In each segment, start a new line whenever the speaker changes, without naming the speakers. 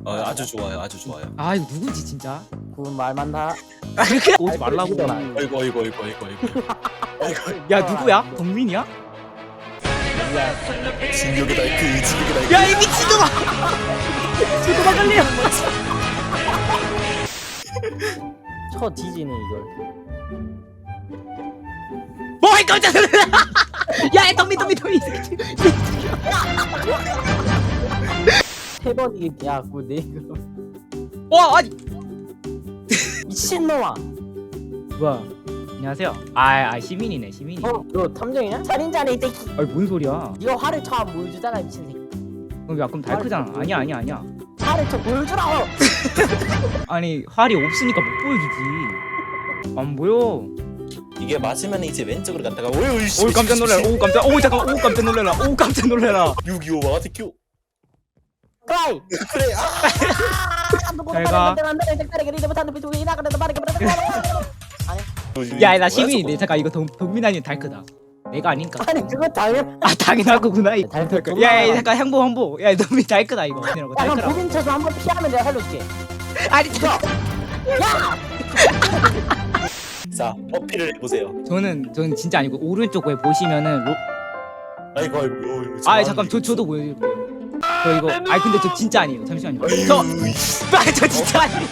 아주 좋아요, 아주 좋아요.
아 이거 누구지 진짜?
그 말만 다.
오지 말라고.
아이고.
야 누구야? 동민이야?
진격의 달크, 진격의 달크.
야 이 미친놈아! 저거 막을래요.
쳐 뒤지네 이걸.
뭐이 깜짝 놀라! 야 동민.
세 번 이게 야 그네
와 아니.
미친놈아.
뭐야? 안녕하세요. 아 시민이네 시민이.
너 탐정이냐? 살인자네 이 새끼.
아니 뭔 소리야?
네가 화를 쳐 보여주잖아 미친 새끼.
그럼 달크잖아. 아니야.
화를 쳐 보여주라고.
아니 활이 없으니까 못 보여주지. 안 보여.
이게 맞으면 이제 왼쪽으로 갔다가 오이
오 깜짝 놀래라. 오 깜짝. 오 잠깐. 오 깜짝 놀래라. 오 깜짝 놀래라.
625 와가지고
까이.
그래.
가. 야 나 시민이네. 잠깐 이거 동민 아니면 달크다. 내가 아닌가?
아니 그거 당연.
아 당연할 거구나.
달크.
야 잠깐 향보. 야 동민 달크다 이거.
야 그럼
달크라.
부빈 쳐서 한번 피하면 내가 살려줄게.
아니 진짜.
야.
자, 어필을 해보세요.
저는 진짜 아니고 오른쪽 에 보시면은
아이고.
아 잠깐 저도 보여드릴게요. 저 이거 근데 저 진짜 아니에요. 잠시만요. 저 진짜 아니에요.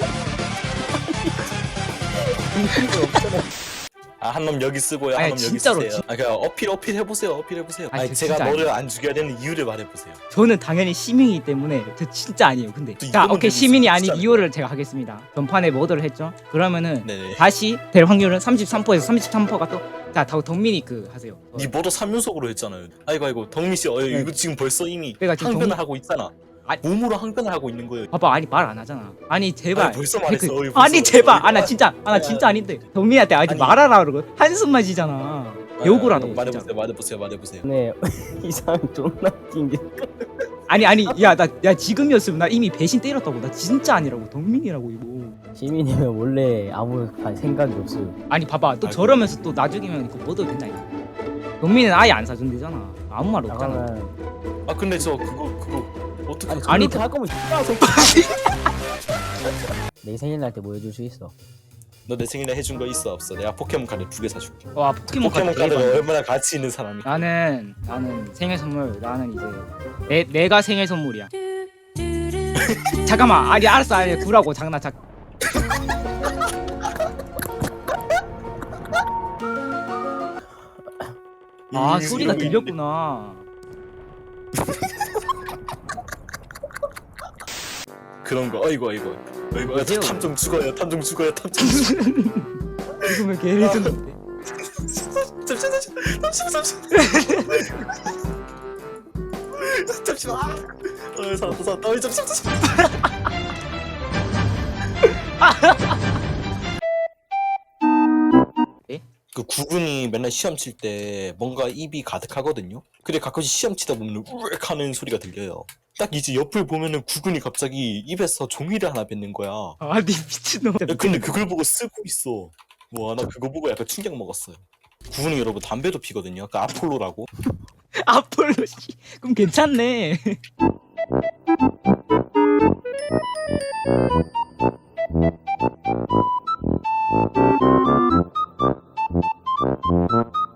한 놈 여기 쓰고요.
아니,
한 놈 여기
진짜로,
쓰세요. 그냥 어필 해보세요.
아니, 저
제가
진짜
너를 안 죽여야 되는 이유를 말해보세요.
저는 당연히 시민이기 때문에 저 진짜 아니에요. 근데
또
자
이거는
오케이
재밌어.
시민이 아닌
진짜.
이유를 제가 하겠습니다. 전판에 뭐들을 했죠? 그러면은
네네.
다시 될 확률은 33%에서 33%가 또자 덕민이 하세요.
니 뭐도 3연속으로 했잖아요. 아이고 덕민 씨, 이거 지금 벌써 이미
그러니까 지금
항변을 하고 있잖아.
아니.
몸으로 항변을 하고 있는 거예요.
봐봐 아니 말 안 하잖아. 아니 제발.
아니, 벌써 말했어.
댓글-
벌써
아니
말했어.
제발. 나 진짜 아닌데 덕민이한테 아직
아니.
말하라 그러고 한숨만 쉬잖아. 욕을 하라고 진짜.
말해보세요.
네 이상 존나 웃긴 게.
아니 야 지금이었으면 나 이미 배신 때렸다고. 나 진짜 아니라고. 덕민이라고 이거.
시민이면 원래 아무 생각이 없어요.
아니 봐봐 또
아이고.
저러면서 또 나중이면 이거 뭐도 된다 이거. 덕민은 아예 안 사준대잖아. 아무 말 없잖아.
잠깐만.
근데 저 그거 어떻게?
아니,
그렇게 할 거면 X야 새끼. 내 생일날 때 뭐 해줄 수 있어?
너 내 생일에 해준 거 있어 없어? 내가 포켓몬 카드 2개 사줄게.
와 포켓몬
포켓몬
카드
카드가
대박.
얼마나 가치 있는 사람이?
나는 생일 선물 나는 이제 내가 생일 선물이야. 잠깐만 아니 알았어 아니 구라고 장난 소리가 들렸구나.
그런 거. 어이구.
여보세요?
탐정 죽어요.
이거면 개레전드인데.
잠시만. 살았다. 잠시만.
예?
그 구근이 맨날 시험 칠 때 뭔가 입이 가득하거든요. 근데 가끔씩 시험 치다 보면 우엑 하는 소리가 들려요. 딱 이제 옆을 보면은 구근이 갑자기 입에서 종이를 하나 뱉는 거야.
아니 미친놈.
야, 근데 그걸 보고 쓰고 있어. 와, 나 그거 보고 약간 충격 먹었어요. 구근이 여러분 담배도 피거든요. 그 아폴로라고.
아폴로 씨. 그럼 괜찮네.